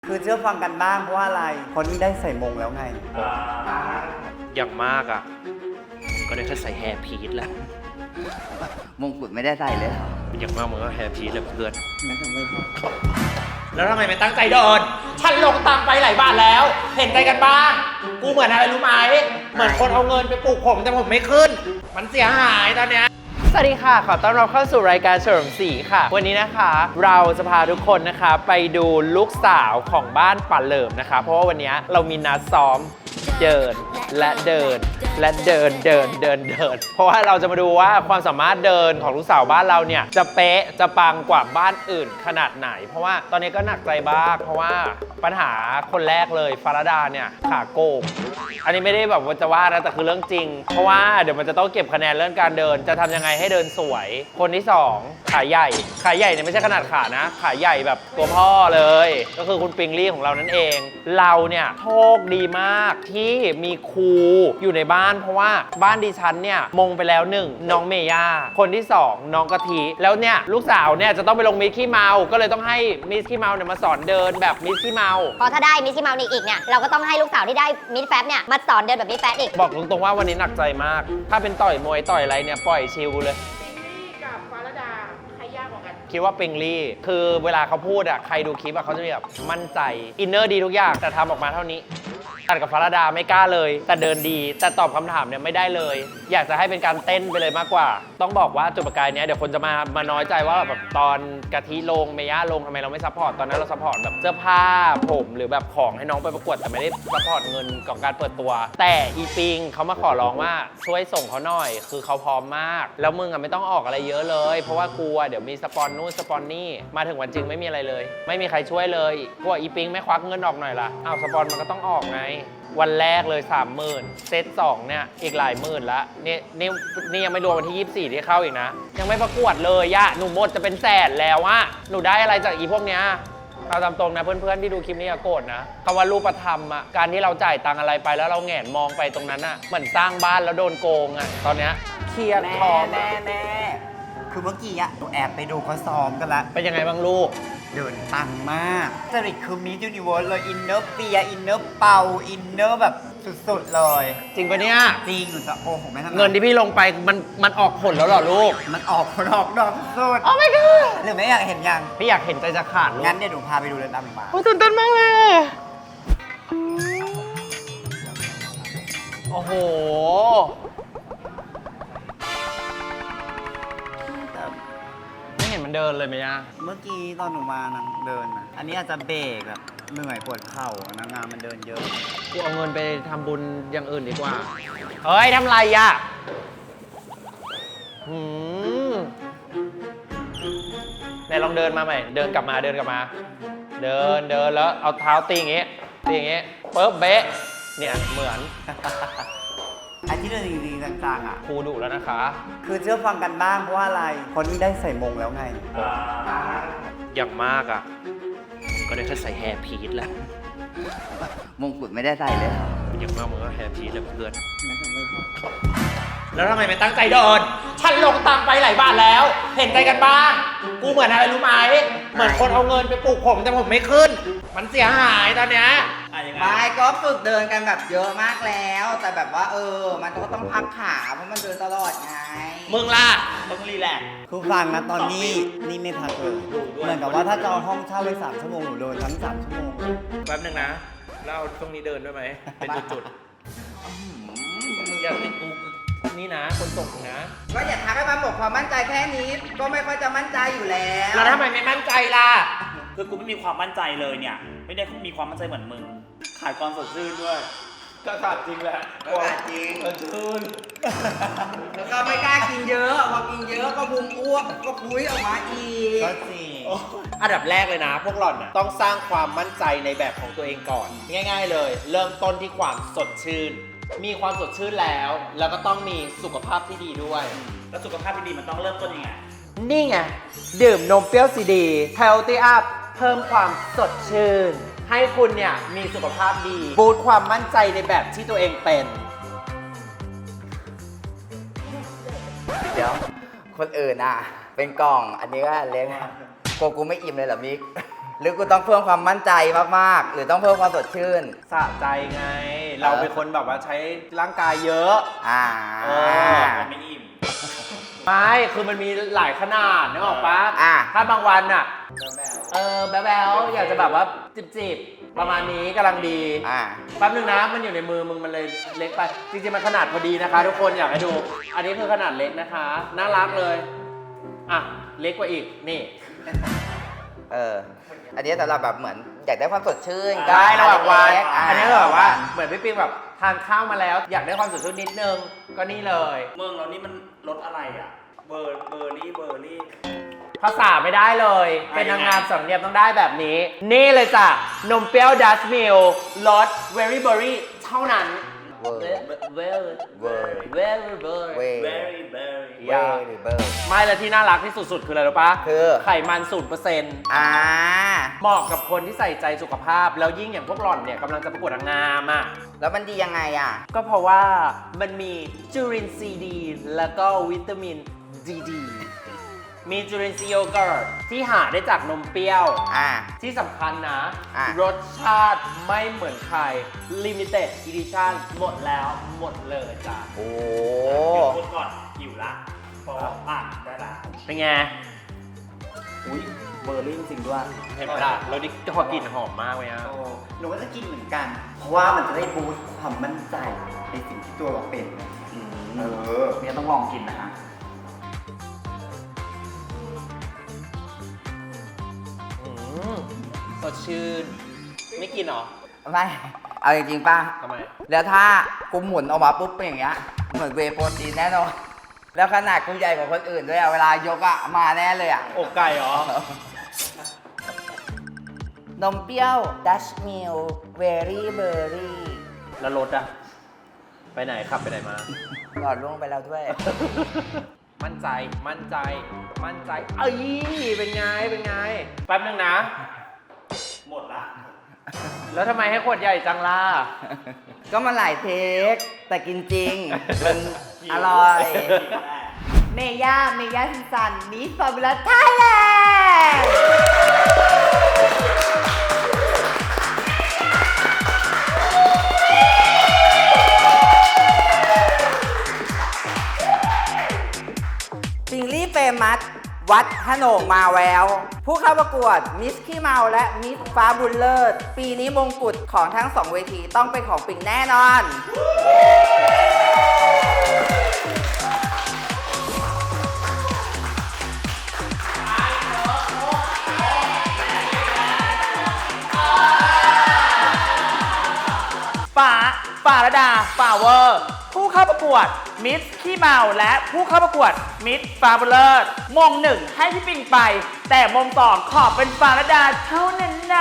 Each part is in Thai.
คือเชื่อฟังกันบ้างเพราะว่าอะไรคนนี้ได้ใส่มงแล้วไงอย่างมากอ่ะก็ได้แค่ใส่แฮร์พีซแหละมงกุฎไม่ได้ใส่เลยเหรออย่างมากมันก็แฮร์พีซแหละเพื่อนนั่นทำไมแล้วทำไมไม่ตั้งใจเดินฉันลงตังไปหลายบาทแล้วเห็นใจกันบ้างกูเหมือนอะไรรู้ไหมเหมือนคนเอาเงินไปปลูกผมแต่ผมไม่ขึ้นมันเสียหายตอนเนี้ยสวัสดีค่ะขอต้อนรับเข้าสู่รายการเฉลิมศรีค่ะวันนี้นะคะเราจะพาทุกคนนะคะไปดูลูกสาวของบ้านป่าเหลิมนะคะเพราะว่าวันนี้เรามีนัดซ้อมเดินและเดินและเดินเพราะว่าเราจะมาดูว่าความสามารถเดินของลูกสาวบ้านเราเนี่ยจะเป๊ะจะปังกว่าบ้านอื่นขนาดไหนเพราะว่าตอนนี้ก็หนักใจบ้างเพราะว่าปัญหาคนแรกเลยฟาราดาเนี่ยขาโก่งอันนี้ไม่ได้แบบว่าจะว่านะแต่คือเรื่องจริงเพราะว่าเดี๋ยวมันจะต้องเก็บคะแนนเรื่องการเดินจะทำยังไงให้เดินสวยคนที่2ขาใหญ่เนี่ยไม่ใช่ขนาดขานะขาใหญ่แบบตัวพ่อเลยก็คือคุณปิงลี่ของเรานั่นเองเราเนี่ยโชคดีมากที่มีครูอยู่ในบ้านเพราะว่าบ้านดิฉันเนี่ยมงไปแล้ว1น้องเมย่าคนที่2น้องกะทิแล้วเนี่ยลูกสาวเนี่ยจะต้องไปลงมิสขี้เมาก็เลยต้องให้มิสขี้เมาเนี่ยมาสอนเดินแบบมิสขี้เมาพอถ้าได้มิสขี้เมาอีกเนี่ยเราก็ต้องให้ลูกสาวที่ได้มิสแฟบเนี่ยมาสอนเดินแบบมิสแฟบอีกบอกตรงๆว่าวันนี้หนักใจมากถ้าเป็นต่อยมวยต่อยอะไรเนี่ยปล่อยชิลเลยคิดว่าปิงลี่คือเวลาเขาพูดอ่ะใครดูคลิปอ่ะเขาจะมีแบบมั่นใจอินเนอร์ดีทุกอย่างแต่ทำออกมาเท่านี้ตัดกับฟาราดาไม่กล้าเลยแต่เดินดีแต่ตอบคำถามเนี่ยไม่ได้เลยอยากจะให้เป็นการเต้นไปเลยมากกว่าต้องบอกว่าจุดประกายเนี้ยเดี๋ยวคนจะมาน้อยใจว่าแบบตอนกะทิลงเมย่าลงทำไมเราไม่ซัพพอร์ตตอนนั้นเราซัพพอร์ตแบบเสื้อผ้าผมหรือแบบของให้น้องไปประกวดแต่ไม่ได้ซัพพอร์ตเงินของการเปิดตัวแต่อีปิงเขามาขอร้องว่าช่วยส่งเขาหน่อยคือเขาพร้อมมากแล้วมึงอ่ะไม่ต้องออกอะไรเยอะเลยเพราะว่ากลัวเดี๋ยวมีสปอนนู่นสปอนนี่มาถึงวันจริงไม่มีอะไรเลยไม่มีใครช่วยเลยกลัวอีปิงไม่ควักเงินออกหน่อยล่ะอ้าวสปอนมันก็ต้องออกไงวันแรกเลย 30,000 เซต2เนี่ยอีกหลายหมื่นละนี่ยังไม่รวมวันที่ 24 ที่เข้าอีกนะยังไม่ประกวดเลยยะหนูหมดจะเป็นแสนแล้วอะหนูได้อะไรจากอีพวกเนี้ยเอาตามตรงนะเพื่อนๆที่ดูคลิปนี้อย่าโกรธนะคำว่ารูปธรรมอะการที่เราจ่ายตังอะไรไปแล้วเราแหงนมองไปตรงนั้นอะเหมือนสร้างบ้านแล้วโดนโกงอะตอนเนี้ยเครียดท้อแน่คือเมื่อกี้อะหนูแอบไปดูเขาซ้อมกันละเป็นยังไงบ้างลูกเดินปังมากจริตคือมิสยูนิเวิร์สเลยอินเนอร์เปียอินเนอร์เปาอินเนอร์แบบสุดๆเลยจริงปะเนี่ยจริงหนูจะโอ้โหไม่ทำเงินที่พี่ลงไปมันออกผลแล้วเหรอลูกมันออกผลออกดอกสุดโอ้ my god หรือไม่อยากเห็นยังพี่อยากเห็นใจจะขาดลูกงั้นเดี๋ยวหนูพาไปดูเลยตามหนูมาโอ้ตื่นเต้นมากเลยโอ้โหไม่เห็นมันเดินเลยไหมอะเมื่อกี้ตอนหนูมานังเดินนะอันนี้อาจจะเบรกแบบเหนื่อยปวดเข่านางงามมันเดินเยอะกูเอาเงินไปทำบุญอย่างอื่นดีกว่าเฮ้ยทำไรอะไหนลองเดินมาใหม่เดินกลับมาเดินแล้วเอาเท้าตีอย่างงี้ปึ๊บเบ๊ะเนี่ยเหมือนอันที่เดินจริงๆจังๆอ่ะครูดุแล้วนะคะคือเชื่อฟังกันบ้างเพราะว่าอะไรคนนี้ได้ใส่มงแล้วไงอย่างมากอ่ะก็ได้แค่ใส่แฮร์พีซแหละมงกุฎไม่ได้ใส่เลยเหรออย่างมากมันก็แฮร์พีซแหละเพื่อนนั่นทำไมแล้วทำไมไม่ตั้งใจเดินฉันลงตังไปหลายบาทแล้วเห็นใจกันบ้างกูเหมือนอะไรรู้ไหมเหมือนคนเอาเงินไปปลูกผมแต่ผมไม่ขึ้นมันเสียหายตอนเนี้ยไม่ก็ฝึกเดินกันแบบเยอะมากแล้วแต่แบบว่ามันก็ต้องพักขาเพราะมันเดินตลอดไงมึงล่ะต้องรีแลกซ์คือฟังนะตอนนี้นี่ไม่พักเลยเหมือนกับว่าถ้าจะเอาห้องเช่าไป3 ชั่วโมงหนูเดินทั้ง3 ชั่วโมงแป๊บนึงนะแล้วเอาตรงนี้เดินด้วยไหมเป็นจุดๆมึงอยากเป็นกูนี่นะคนส่งนะก็อย่าทักให้มันหมดความมั่นใจแค่นี้ก็ไม่ค่อยจะมั่นใจอยู่แล้วแล้วทำไมไม่มั่นใจล่ะคือกูไม่มีความมั่นใจเลยเนี่ยไม่ได้มีความมั่นใจเหมือนมึงขายความสดชื่นด้วยก็ขาดจริงแหละขาดจริงชื่นแล้วก็ไม่กล้ากินเยอะพอกินเยอะก็พุงอ้วกก็พุ้ยออกมาอีกก็จริงอันดับแรกเลยนะพวกหล่อนต้องสร้างความมั่นใจในแบบของตัวเองก่อนง่ายๆเลยเริ่มต้นที่ความสดชื่นมีความสดชื่นแล้วก็ต้องมีสุขภาพที่ดีด้วยแล้วสุขภาพที่ดีมันต้องเริ่มต้นยังไงนี่ไงดื่มนมเปรี้ยวซีดี Healthy Up เพิ่มความสดชื่นให้คุณเนี่ยมีสุขภาพดีบูสต์ความมั่นใจในแบบที่ตัวเองเป็นเดี๋ยวคนอื่นอ่ะเป็นกล่องอันนี้ก็เล็กกูไม่อิ่มเลยเหรอมิกหรือกูต้องเพิ่มความมั่นใจมากๆ หรือต้องเพิ่มความสดชื่นสะใจไง เราเป็นคนแบบว่าใช้ร่างกายเยอะ เออมันไม่อิ่มไม่ คือมันมีหลายขนาดนึกออกปะอ่ะถ้าบางวันอะแบ๊วๆอยากจะแบบว่าจิบๆประมาณนี้กำลังดี แป๊บนึงนะ มันอยู่ในมือมึงมันเลยเล็กไป จริงๆ มันขนาดพอดีนะคะ ทุกคนอยากให้ดู อันนี้คือขนาดเล็กนะคะ น่ารักเลย อ่ะ เล็กกว่าอีก นี่อันนี้สำหรับแบบเหมือนอยากได้ความสดชื่นได้ระหว่างวันเล็กๆอันนี้แบบว่าเหมือนพี่ปิ๊งแบบทานข้าวมาแล้ว อยากได้ความสดชื่นนิดนึง ก็นี่เลยเมืองเรานี่มันรสอะไรอ่ะ เบอร์รี่ภาษาไม่ได้เลย เป็นนางงามสำเนียงต้องได้แบบนี้ นี่เลยจ้ะ นมเปรี้ยวดัชมิลรสเวอรี่เบอรี่เท่านั้นเวอร์เวอร์เวอร์เวอร์เวอร์เวเบอร์ร์รี่เวอร์หรือเบอร์ไม่แล้วที่น่ารักที่สุดๆ คืออะไรรู้ปะคือไขมัน 0% เหมาะกับคนที่ใส่ใจสุขภาพ แล้วยิ่งอย่างพวกหล่อนเนี่ยกำลังจะประกวดนางงามอ่ะแล้วมันดียังไงอ่ะก็เพราะว่ามันมีจุลินทรีย์ดี แล้วก็วิตามินดี มีจุลินทรีย์โยเกิร์ตที่หาได้จากนมเปรี้ยว ที่สำคัญนะ รสชาติไม่เหมือนใคร Limited Edition หมดแล้วหมดเลยจ้ะโอ้พูดก่อนหิวละพอได้ละเป็นไงอุ้ยเบอร์รี่จริงๆด้วยเห็นไหมล่ะแล้วนี่พอกลิ่นหอมมากเลยอ่ะหนูก็จะกินเหมือนกัน เพราะว่ามันจะได้บูสต์ความมั่นใจในสิ่งที่ตัวเราเป็นเนี่ยต้องลองกินนะฮะสดชื่น ไม่กินเหรอไม่ เอาจริงๆป่ะทำไมแล้วถ้ากูหมุนออกมาปุ๊บเป็นอย่างเงี้ย เหมือนเวย์โปรตีนแน่นอน แล้วขนาดกูใหญ่กว่าคนอื่นด้วยอะเวลายกอะมาแน่เลยอะอกไก่เหรอนมเปรี้ยวดัชมิลเวอรี่เบอร์รี่แล้วรถอะไปไหนขับไปไหนมาหลอดล่วงไปแล้วด้วยมั่นใจ มั่นใจ มั่นใจ เอ้ย เป็นไง เป็นไง แป๊บนึงนะหมดละแล้วทำไมให้ขวดใหญ่จังล่ะก็มันหลายเทค แต่กินจริง มันอร่อย เมย่าซินซันมิสฟอร์มูล่าไทยแลนด์ซิงลี่เฟมัสวัดฮโหนงมาแวว ผู้เข้าประกวดมิสขี้เมาและมิสฟ้าบุญเลิศ ปีนี้มงกุฎของทั้งสองเวทีต้องเป็นของปิ่งแน่นอนป่าระดาป่าเวอร์ ผู้เข้าประกวดมิสขี้เมาและผู้เข้าประกวดมิสฟาบูเลอร์มงหนึ่งให้พี่ปิงไป แต่มงสองขอเป็นป่าระดาเท่านั้นนะ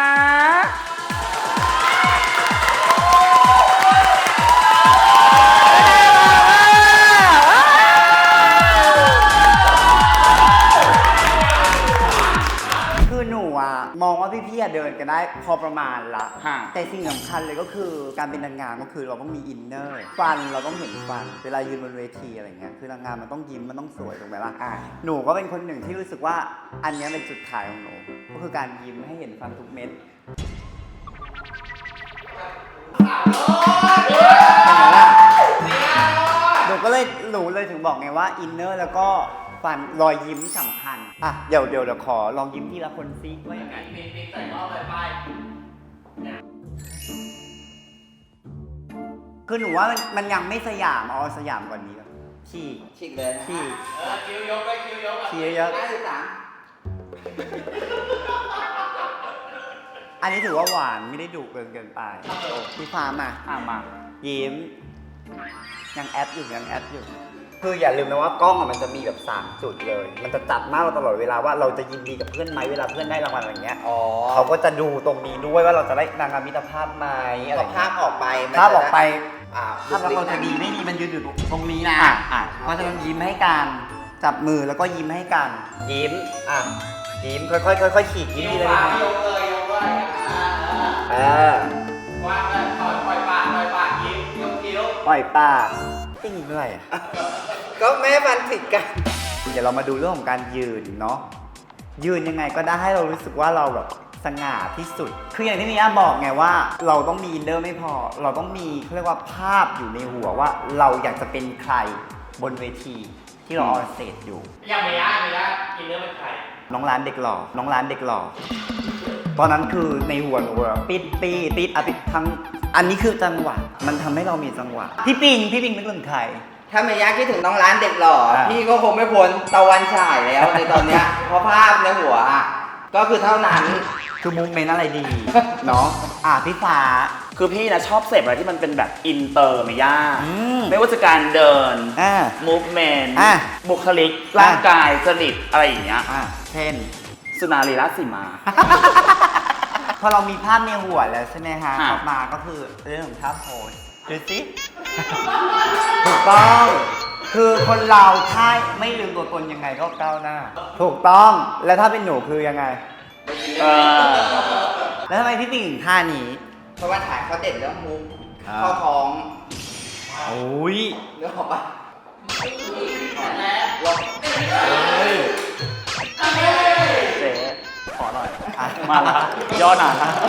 คือหนูอะมองว่าพี่ๆอะเดินกันได้พอประมาณละ แต่สิ่งสำคัญเลยก็คือการเป็นนางงามก็คือเราต้องมีอินเนอร์ฟันเราต้องเห็นฟัน เวลายืนบนเวทีอะไรเงี้ยคือนางงามมันต้องยิ้มมันต้องสวยถูกไหมล่ะหนูก็เป็นคนหนึ่งที่รู้สึกว่าอันเนี้ยเป็นจุดขายของหนูก็คือการยิ้มให้เห็นฟันทุกเม็ดหนูเลยถึงบอกไงว่าอินเนอร์แล้วก็ฟันรอยยิ้มสำคัญอ่ะเดี๋ยวขอลองยิ้มทีละคนซิว่ายังไงใส่รอบเลยไปคือหนูว่ามันยังไม่สยามเอาสยามกว่านี้ฉีกฉีกเลยนะฉีกคิ้วยกไปคิ้วยกฉีกเยอะ อันนี้ถือว่าหวานไม่ได้ดุเกินไปพี่ฟ้ามามายิ้มยังแอปอยู่คืออย่าลืมนะว่ากล้องอะมันจะมีแบบ3จุดเลย มันจะจับมากเราตลอดเวลาว่าเราจะยินดีกับเพื่อนไหมเวลาเพื่อนได้รางวัลอะไรเงี้ยเขาก็จะดูตรงนี้ด้วยว่าเราจะได้นางงามมิตรภาพไหมอะไรภาพออกไปภาพออกไปภาพเราจะดีไม่ดีมันยืนอยู่ตรงนี้นะเพราะฉะนั้นยิ้มให้กันจับมือแล้วก็ยิ้มให้กันยิ้มยิ้มค่อยๆขีดยิ้มทีละนิดยกเลยว่างเลยปล่อยปากยิ้มยกคิ้วปล่อยปากติ้งด้วยก็แม่ฟันผิดกันเดี๋ยวเรามาดูเรื่องของการยืนเนาะยืนยังไงก็ได้ให้เรารู้สึกว่าเราแบบสง่าที่สุด คืออย่างที่มีย่าบอกไงว่า เราต้องมีอินเนอร์ไม่พอ เราต้องมีเขาเรียกว่าภาพอยู่ในหัวว่าเราอยากจะเป็นใครบนเวทีที่เราออนสเตจอยู่ยังไม่ได้อินเนอร์เป็นใครน้องร้านเด็กหล่อ น้องร้านเด็กหล่อ ตอนนั้นคือในหัวหนูอะปิดทั้ง อันนี้คือจังหวะ มันทำให้เรามีจังหวะ พี่ปิงนึกถึงใครถ้าเมย่าคิดถึงน้องร้านเด็กหล่ออ่ะพี่ก็คงไม่พ้นตะวันฉายแล้วในตอนเนี้ย เพราะภาพในหัวอะก็คือเท่านั้นคือมูเมนต์อะไรดี เนาะพี่ฟ้าคือพี่นะชอบเสพอะไรที่มันเป็นแบบอินเตอร์ไม่ยากอืมไม่ว่าจะการเดิน movement อ่ะบุคลิก ร่างกายจริตอะไรอย่างเงี้ยเช่นสุนารีราชสีมาพอเรามีภาพในหัวแล้วใช่ไหมฮะค่ะออกมาก็คือเรื่องของท่าโพสดูสิ ถูกต้อง คือคนเราถ้าไม่ลืมตัวตนยังไงก็ก้าวหน้า ถูกต้อง แล้วถ้าเป็นหนูคือยังไง แล้วทำไมพี่ปิงถึงท่านี้เพราะว่าถ่ายเขาเด่นเรื่องมุกครับเข้าท้องโอ้ยเรื่องของปะเจ๊ขอหน่อยอ่ะมาละย่อหนา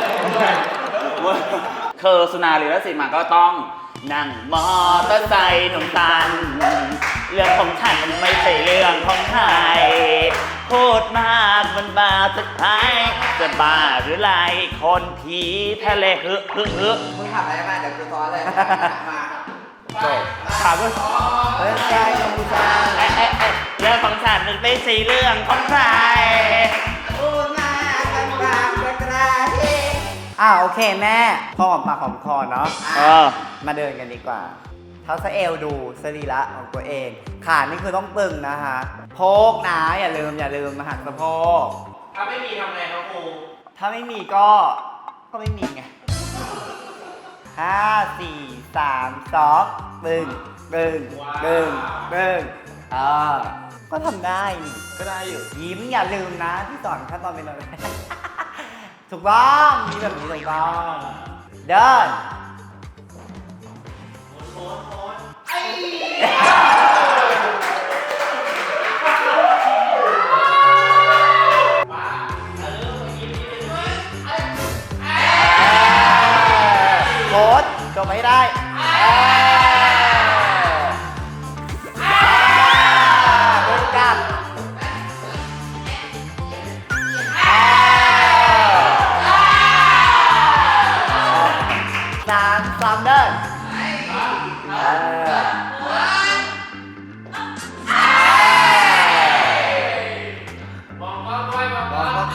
คือสุนารีราชสีมาก็ต้องนั่งมอเตอร์ไซค์หนุ่มตัน เรื่องของฉันมันไม่ใช่เรื่องของใครพูดมากมันบาสุดท้ายจะบ้าหรือไรคนผีทะเลฮึมึงทำอะไรมาเดี๋ยวกูซ้อนเลยมาถามว่าเอ้ยใจกัมพูชาเรื่องของฉันมันไม่ใช่เรื่องของใครพูดมากันบางกระเทโอเคแม่พอหอมปากหอมคอเนาะ มาเดินกันดีกว่าเท้าสะเอวดูสรีระของตัวเอง ขานี่คือต้องตึงนะฮะ โพกนะอย่าลืมมาหักสะโพกถ้าไม่มีทำไงครับครูถ้าไม่มีก็ไม่มีไง 5 4 3 2 ก็ทำได้นี่ก็ได้อยู่ยิ้มอย่าลืมนะที่สอนขั้นตอนเป็นอะไร ถูกต้องมีแบบนี้ถูกต้องเดิน โค้ดจบไม่ได้เดินกลับ3 เดินมองกล้องด้วยมองกล้องหมุน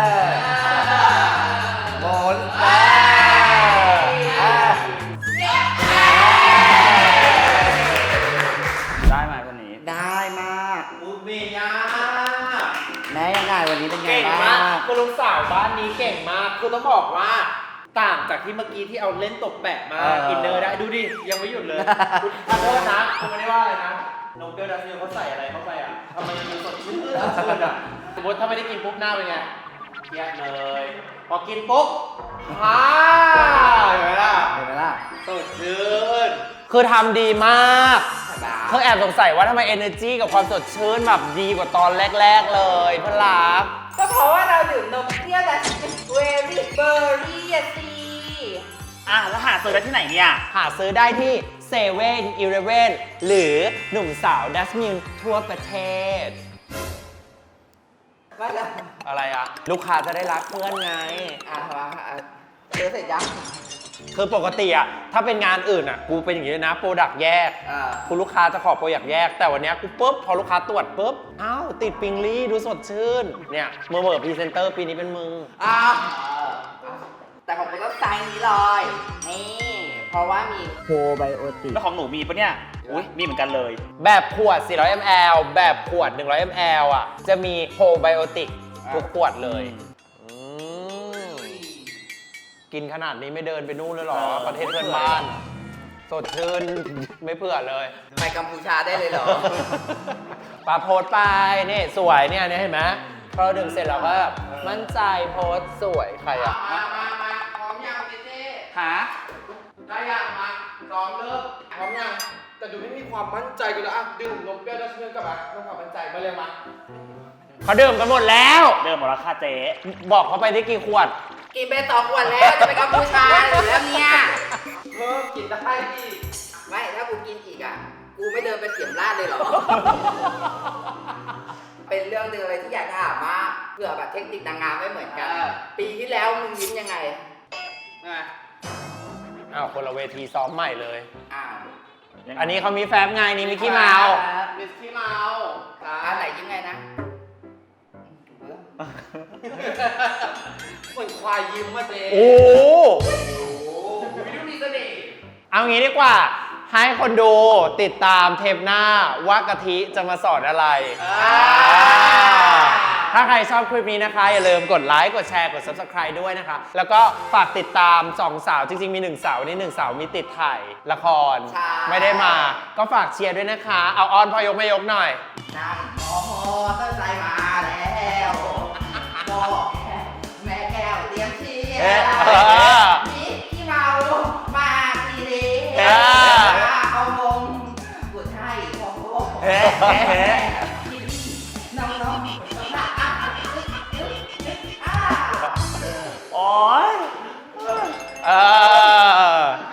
ได้ไหมวันนี้ได้มากมูเมย่าแม่ยังไงวันนี้เป็นไงเก่งบ้ามากงคุณลุงสาวบ้านนี้เก่งมาก คือต้องบอกว่าต่างจากที่เมื่อกี้ที่เอาเล่นตบแปะมาอินเนอร์ได้ดูดิ ยังไม่หยุดเลยขอโทษนะคุณไม่ได้ว่าอะไรนะนมเปรี้ยวดัชมิลเขาใส่อะไรเข้าไปอ่ะทำไมมันสดชื่นอ่ะสมมติถ้าไม่ได้กินปุ๊บหน้าเป็นไงเครียดเลย พอกินปุ๊บเห็นไหมล่ะเห็นไหมล่ะสดชื่นคือทำดีมากเพิ่งแอบสงสัยว่าทำไม energy กับความสดชื่นแบบดีกว่าตอนแรกๆเลยเพื่อนรักก็เพราะว่าเราดื่มนมเปรี้ยวแต่เวรี่เบอร์รี่อะสิแล้วหาซื้อได้ที่ไหนเนี่ยหาซื้อได้ที่เซเว่นอีเลฟเว่นหรือหนุ่มสาวดัชมิลทั่วประเทศว่าแล้วอะไรอะลูกค้าจะได้รักเพื่อนไงเจอเสร็จยังคือปกติอะถ้าเป็นงานอื่นอะกูเป็นอย่างนี้เลยนะโปรดักต์แยกคุณลูกค้าจะขอโปรดักต์แยก แต่วันเนี้ยกูปุ๊บพอลูกค้าตรวจปุ๊บอ้าวติดปิงลี่ดูสดชื่นเนี่ยเมื่อพรีเซนเตอร์ปีนี้เป็นมึงแต่ของกูต้องไซส์นี้เลย นี่ เพราะว่ามีโปรไบโอติกแล้วของหนูมีปะเนี่ย อุ้ยมีเหมือนกันเลยแบบขวด 400 ml แบบขวด 100 ml อ่ะ จะมีโปรไบโอติกทุกขวดเลยกินขนาดนี้ไม่เดินไปนู่นเลยเหรอ ประเทศเพื่อนบ้าน สดชื่น ไม่เผื่อเลยไปกัมพูชาได้เลยเหรอปาโพสต์ไปนี่สวยเนี่ยเห็นไหมพอเราดื่มเสร็จเราก็แบบมั่นใจโพสต์สวยใครอ่ะมาพร้อมยังเจ๊หาได้ยังมาซ้อมเลิกพร้อมยังแต่ดูไม่มีความมั่นใจกันเลยอ่ะดื่มนมเปรี้ยวดัชมิลกับอ่ะต้องความมั่นใจมาเร็วมาเขาดื่มกันหมดแล้วเดิมหมดราคาเจ๊บอกเขาไปที่กี่ขวดกินไป2 ขวดแล้วจะไปกัมพูชาอยู่แล้วเนี่ยกินได้ดิไม่ถ้ากูกินอีกอ่ะ กูไม่เดินไปเสียมราดเลยเหรอ เป็นเรื่องหนึงอะไรที่อยากถามมากเผื่อแบบเทคนิคนางงามไม่เหมือนกัน ปีที่แล้วมึงยิ้มยังไงอ้าวคนละเวทีซ้อมใหม่เลยอ้าวอันนี้เขามีแฟบไงนี่มิกกี้เมาส์มิสกี้เมาส์อันไหนยิ้มไงนะเหมือนควายยิ้มมาเจ๊โอ้โหวิดูมีเสน่ห์เอางี้ดีกว่า ให้คนดูติดตามเทปหน้าว่ากะทิจะมาสอนอะไร ถ้าใครชอบคลิปนี้นะคะ อย่าลืมกดไลค์ กดแชร์ กด Subscribe ด้วยนะคะ แล้วก็ฝากติดตาม 2 สาว จริงๆ มี 1 สาวนี่1 สาวมีติดถ่ายละครใช่ไม่ได้มา ก็ฝากเชียร์ด้วยนะคะ เอาออนพอยกไม่ยกหน่อยนั่งมอเตอร์ไซค์มาแล้วบอกแม่แก้วเตรียมเชียเอ๊ะร์เออมิกกี้เมามาทีเดีเอยวอเอามงกุฎให้ของโลกเฮ้เฮ้น้องๆโอ๊ย